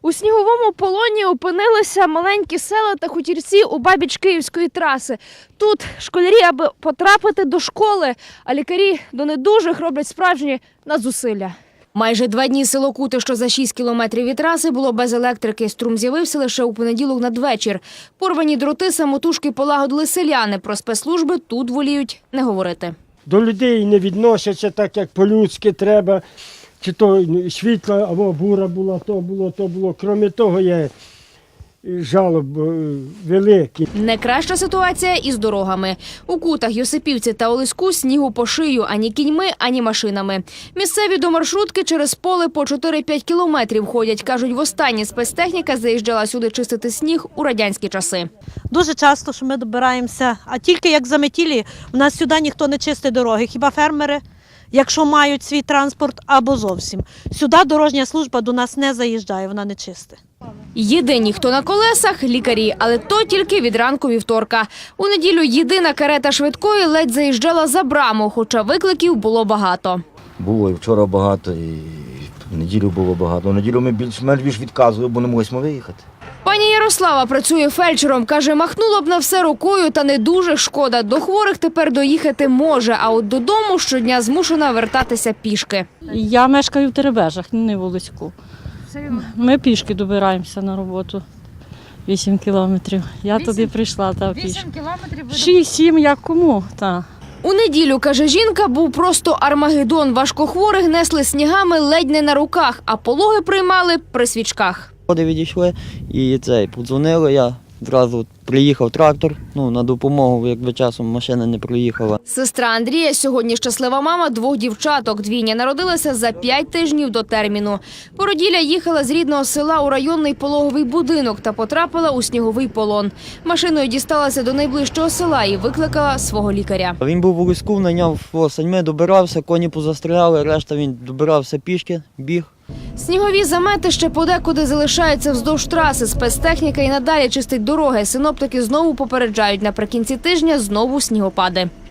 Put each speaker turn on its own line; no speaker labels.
У сніговому полоні опинилися маленькі села та хутірці у бабіч Київської траси. Тут школярі, аби потрапити до школи, а лікарі до недужих роблять справжні надзусилля. Майже 2 дні село Кути, що за 6 кілометрів від траси, було без електрики. Струм з'явився лише у понеділок надвечір. Порвані дроти самотужки полагодили селяни. Про спецслужби тут воліють не говорити.
До людей не відносяться так, як по-людськи треба. Чи то світла, або бура була, то було. Крім того, є жалоб великі.
Не краща ситуація і з дорогами. У Кутах, Йосипівці та Олеську снігу по шию ані кіньми, ані машинами. Місцеві до маршрутки через поле по 4-5 кілометрів ходять. Кажуть, востаннє спецтехніка заїжджала сюди чистити сніг у радянські часи.
Дуже часто, що ми добираємося, а тільки як заметілі, у нас сюди ніхто не чистить дороги, хіба фермери, якщо мають свій транспорт, або зовсім. Сюди дорожня служба до нас не заїжджає, вона не чистить.
Єдині, хто на колесах – лікарі, але то тільки від ранку вівторка. У неділю єдина карета швидкої ледь заїжджала за браму, хоча викликів було багато.
Було і вчора багато, і в неділю було багато. В неділю ми більш відказували, бо не могли виїхати.
Пані Ярослава працює фельдшером. Каже, махнула б на все рукою, та не дуже шкода. До хворих тепер доїхати може, а от додому щодня змушена вертатися пішки.
Я мешкаю в Теребежах, не в Олеську. Ми пішки добираємося на роботу. 8 кілометрів. Я туди прийшла та пішки.
8 кілометрів?
6-7, як кому, так.
У неділю, каже жінка, був просто армагеддон. Важкохворих несли снігами ледь не на руках, а пологи приймали при свічках.
Люди відійшли і подзвонили, я одразу приїхав трактор, на допомогу, якби часом машина не проїхала.
Сестра Андрія сьогодні щаслива мама 2 дівчаток. Двійня народилася за 5 тижнів до терміну. Породілля їхала з рідного села у районний пологовий будинок та потрапила у сніговий полон. Машиною дісталася до найближчого села і викликала свого лікаря.
Він був в Олеську, найняв саньми, добирався, коні позастріляли, решта він добирався пішки, біг.
Снігові замети ще подекуди залишаються вздовж траси. Спецтехніка і надалі чистить дороги. Синоптики знову попереджають, наприкінці тижня знову снігопади.